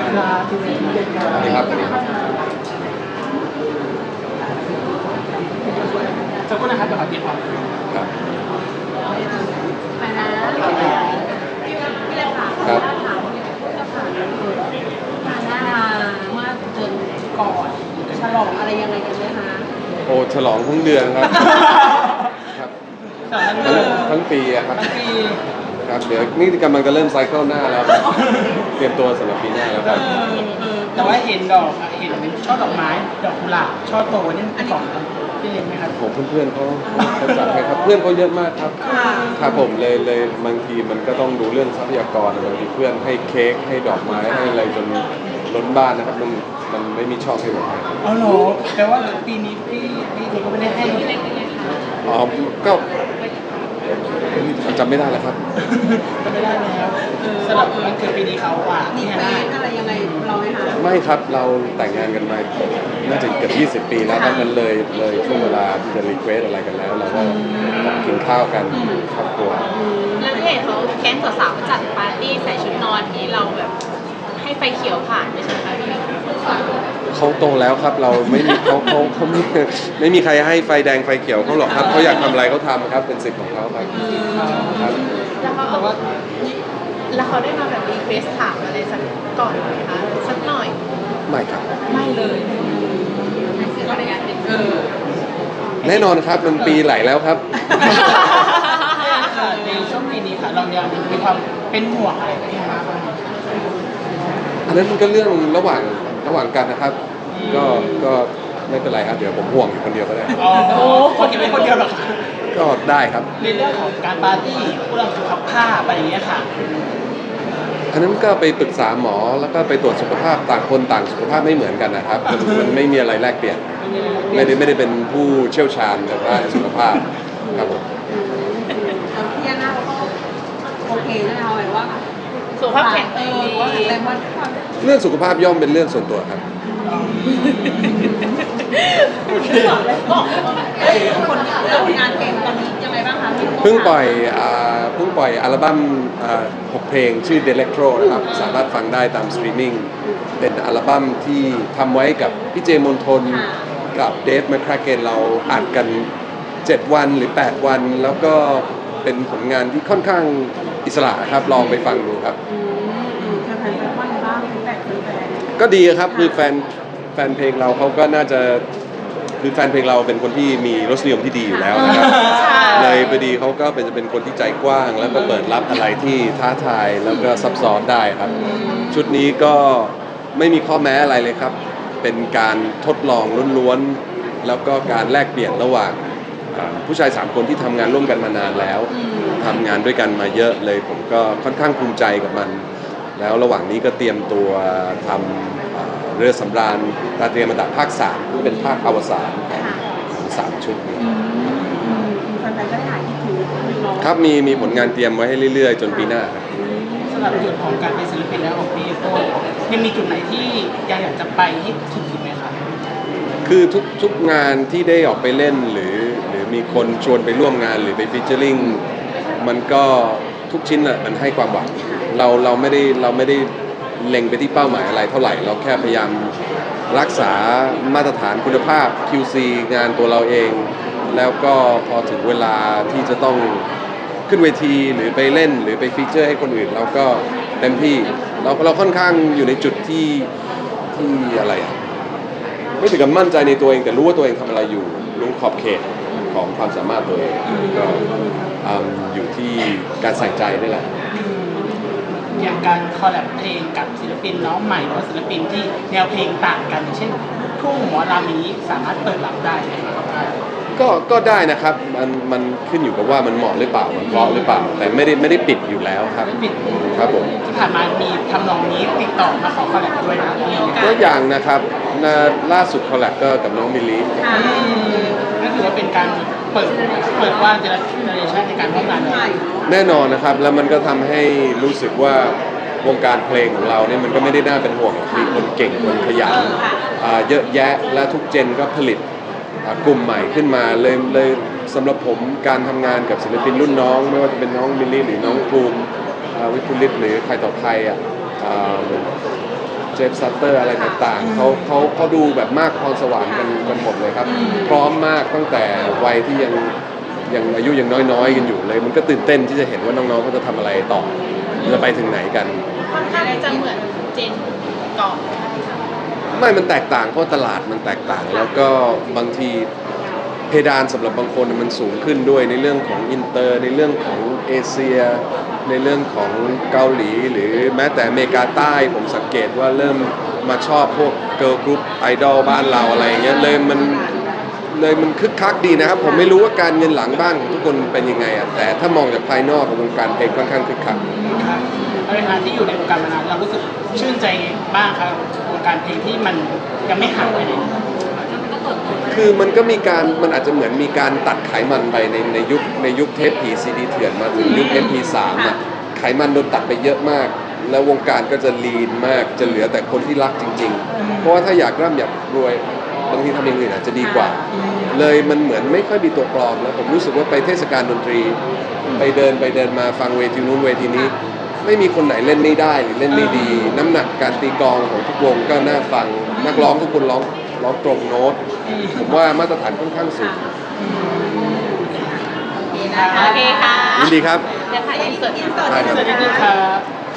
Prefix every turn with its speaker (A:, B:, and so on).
A: ครับที่นี่ครับ
B: สวัสดีครับสวัสดีครับ
A: สักครู่นะครับเดี๋ยวขอเก็บก่อน
B: ครับ
C: ไปนะพี่เล็กค่ะ
B: ครับ
C: ถามพี่เล็กค่ะงานหน้าเมื่อเดือนก่อนฉลองอะไรยังไงกันไหมคะ
B: โอ้ฉลองทั้งเดือนครับครับทั้งปีอะครับ
A: ทั้งปี
B: ครับเดี๋ยวนี่กำลังจะเริ่มไซเคิลหน้าแล้วครับเตรียมตัวสำหรับปีหน้าแล้วครับ
A: แต่ว่าเห็นดอกเห็นช่อดอกไม้ดอกกุหลาบช่อโตนี่เป็นของพี่เล็กไหมครับ
B: ผมเพื่อนๆเขาจัดให้ครับเพื่อนเขาเยอะมากครับครับผมเลยบางทีมันก็ต้องดูเรื่องทรัพยากรบางทีเพื่อนให้เค้กให้ดอกไม้ให้อะไรจนล้นบ้านนะครับมันไม่มีช่องให้ผมให้
A: อ๋อเหรอแปลว่าปีนี้พี่เล็กก็ไม่ได้ให้
C: พี่เล็กเป็นไงคะ
B: อ๋อก็จำไม่ได้แล้วครับ
A: ก็ไม่ได้แล้วสำหรับวันเกิดปีนี้เขาอ่ะ
C: มี
A: นี่
C: เฟ
A: ฮะ
C: ซอะไรยังไงเราไหมคะ
B: ไม่ครับเราแต่งงานกันมาน่าจะเกือบ20 ปีแล้วดังนั้นเลยช่วงเวลาที่จะรีเควสอะไรกันแล้วเราก็กินข้าวกันครอบครัว
D: แล้วที่เห็นเขาแก๊งสาวๆจัดปาร์ตี้ใส่ชุดนอนที่เราแบบให้ไฟเขียวผ่านไม่ใช่ไหมคะพี่
B: เขาโตแล้วครับเราไม่มีเขาไม่มีใครให้ไฟแดงไฟเขียวเขาหรอกครับเขาอยากทำอะไรเขาทำครับเป็นสิทธิ์ของเขาครับครับ
D: แล้วเขา
A: แต่ว่า
D: แล้วเขาได้มาแบบรีเควสถามอะไรสักก่อนไหมคะสักหน่อย
B: ไม่ครับ
D: ไม่เลย
C: คืออะไรกันเป็น
B: แน่นอนครับมันปีไหลแล้วครับ
A: ในช่วงปีนี้ค่ะเรายังมีความเป็นห่วงอะไรไหมคะ
B: อันนั้นมันก็เรื่องระหว่างกันนะครับ ก็ไม่เป็นไรครับเดี๋ยวผมห่วงอยู่คนเดียวก็ได้
A: อ๋อคนเก็บไว้คนเดียวเหรอคะ
B: ก็ได้ครับ
A: ในเรื่องของการปาร์ตี้เรื่องสุขภาพอะไรอย่างเงี้ยค่ะ
B: อันนั้นก็ไปปรึกษาหมอแล้วก็ไปตรวจสุขภาพต่างคนต่างสุขภาพไม่เหมือนกันนะครับมันไม่มีอะไรแลกเปลี่ยนไม่ได้เป็นผู้เชี่ยวชาญในด้านสุขภาพครับผม
C: พี่ยาน่าเขาก็โอเคนะคะหมายว่า
D: สุขภาพแข็งแรง
C: ว่า
D: ดี
C: แข็งแรงว่าความ
B: เรื่องสุขภาพย่อมเป็นเรื่องส่วนตัวครับ
C: บอกเลยบอกคนแล้วงานเพลงตอนนี้ยังไงบ้างคะพี่
B: เพิ่งปล่อยอัลบั้ม6 เพลงชื่อ Delectro นะครับสามารถฟังได้ตามสตรีมมิ่งเป็นอัลบั้มที่ทำไว้กับพี่เจมนทนกับเดฟแมคคราเกนเราอัดกัน 7 วันหรือ 8 วัน แล้วก็เป็นผลงานที่ค่อนข้างอิสระครับลองไปฟังดูครับ
C: แฟนๆว่าไงบ้างฟีดแบ็กแฟน
B: ก็ดีครับคือแฟนเพลงเราเขาก็น่าจะคือแฟนเพลงเราเป็นคนที่มีรสนิยมที่ดีอยู่แล้วนะครับเลยพอดีเขาก็เป็นคนที่ใจกว้าง แล้วก็เปิดรับอะไรที่ท้าทายแล้วก็ซับซ้อนได้ครับ ชุดนี้ก็ไม่มีข้อแม้อะไรเลยครับ เป็นการทดลองล้วนๆแล้วก็การแลกเปลี่ยนระหว่างผู้ชาย3 คนที่ทำงานร่วมกันมานานแล้วทำงานด้วยกันมาเยอะเลยผมก็ค่อนข้างภูมิใจกับมัน แล้วระหว่างนี้ก็เตรียมตัวทำเรือสำราญราตรีอมตะภาค3ที่เป็นภาคอวสานของ3 ชุดนี้
C: แฟนๆก็ได้หายคิดถึงน้อง
B: ครับมีผลงานเตรียมไว้ให้เรื่อยๆ จนปีหน้าครับ
A: สำหรับจุดของการเป็นศิลปินแล้วของพี่โต้ยังมีจุดไหนที่ยังอยากจะไปให้ถึงอีกไหมคะ
B: คือทุกงานที่ได้ออกไปเล่นหรือมีคนชวนไปร่วมงานหรือไปฟีเจอริงมันก็ทุกชิ้นอ่ะมันให้ความหวังเราไม่ได้เล็งไปที่เป้าหมายอะไรเท่าไหร่เราแค่พยายามรักษามาตรฐานคุณภาพ QC งานตัวเราเอง แล้วก็พอถึงเวลาที่จะต้องขึ้นเวทีหรือไปเล่นหรือไปฟีเจอร์ให้คนอื่นเราก็เต็มที่เราค่อนข้างอยู่ในจุดที่อะไรอ่ะไม่ถึงกับมั่นใจในตัวเองแต่รู้ว่าตัวเองทำอะไรอยู่รู้ขอบเขตของความสามารถตัวเองก็อยู่ที่การใส่ใจนี่แหละ
A: อย่างการคอลแลบเพลงกับศิลปินน้องใหม่หรือว่าศิลปินที่แนวเพลงต่างกันอย่างเช่นลูกทุ่งหมอลำนี้สามารถเปิดรับได้ไหมครับ
B: ก็ได้นะครับมันขึ้นอยู่กับว่ามันเหมาะหรือเปล่ามันเพราะหรือเปล่า แต่ไม่ได้ปิดอยู่แล้วครับ
A: ไม่ปิด
B: ครับผม
A: ที่ผ่านมามีทำนองนี้ติดต่อมาขอคอลแลบด้วยนะมีโอกา
B: ก็
A: ส
B: อย่างนะครับล่าสุดคอลแลบก็กับน้องมิลลี
A: นั่นถือว่าเป็นการเปิดกว่างเจเนอเรชันในการร่วมงานเลย
B: แน่นอนนะครับแล้วมันก็ทำให้รู้สึกว่าวงการเพลงของเราเนี่ยมันก็ไม่ได้น่าเป็นห่วงมีคนเก่งคนขยันเยอะแยะและทุกเจนก็ผลิตกลุ่มใหม่ขึ้นมาเลยสำหรับผมการทำงานกับศิลปินรุ่นน้อง ไม่ว่าจะเป็นน้องมิลลี่หรือน้องภูมิวิทุลิตหรือใครต่อใครเจฟซัตเตอร์อะไรต่างๆเขาดูแบบมากพรสวรรค์กันหมดเลยครับ พร้อมมากตั้งแต่วัยที่ยังอายุยังน้อยๆกันอยู่เลย มันก็ตื่นเต้นที่จะเห็นว่าน้องๆเขาจะทำอะไรต่อจะไปถึงไหนกัน
D: ค่อนข้างที่จะเหมือนเจนก่อน
B: ไม่มันแตกต่างเพราะตลาดมันแตกต่าง แล้วก็บางทีเพดานสำหรับบางคนมันสูงขึ้นด้วยในเรื่องของอินเตอร์ในเรื่องของเอเชีย ในเรื่องของเกาหลี หรือแม้แต่อเมริกาใต้ผมสังเกตว่าเริ่มมาชอบพวกเกิร์ลกรุ๊ปไอดอลบ้านเราอะไรอย่างเงี้ยเลยมันคึกคักดีนะครับ ผมไม่รู้ว่าการเงินหลังบ้านของทุกคนเป็นยังไงอ่ะแต่ถ้ามองจากภายนอกของวงการเพลงค่อนข้างคึกคัก
A: ครับในฐานะที่อยู่ในวงการมานานเรารู้สึกชื่นใจบ้างครับวงการเพลงที่มันยังไม่หายไปไหน
B: คือมันก็มีการมันอาจจะเหมือนมีการตัดไขมันไปในยุคเทปผีซีดีเถื่อนมาถึงยุค MP3 อ่ะไขมันโดนตัดไปเยอะมาก แล้ววงการก็จะลีนมากจะเหลือแต่คนที่รักจริงๆ เพราะว่าถ้าอยากร่ำอยากรวยบางทีทำอย่างอื่นอาจจะดีกว่า เลยมันเหมือนไม่ค่อยมีตัวปลอมแล้วผมรู้สึกว่าไปเทศกาลดนตรีไปเดินมาฟังเวทีนู้นเวทีนี้ ไม่มีคนไหนเล่นไม่ได้หรือเล่นไม่ดี น้ำหนักการตีกลองของทุกวงก็น่าฟังนักร้องทุกคนร้องตรงโน้ต ผมว่ามาตรฐานค่อนข้างสูง
D: โอเคค่ะ
B: ยินดีครับ
D: เดี๋ยวถ่ายอินเสิร์ต
B: ได้ครับ
A: สวัสดีครับ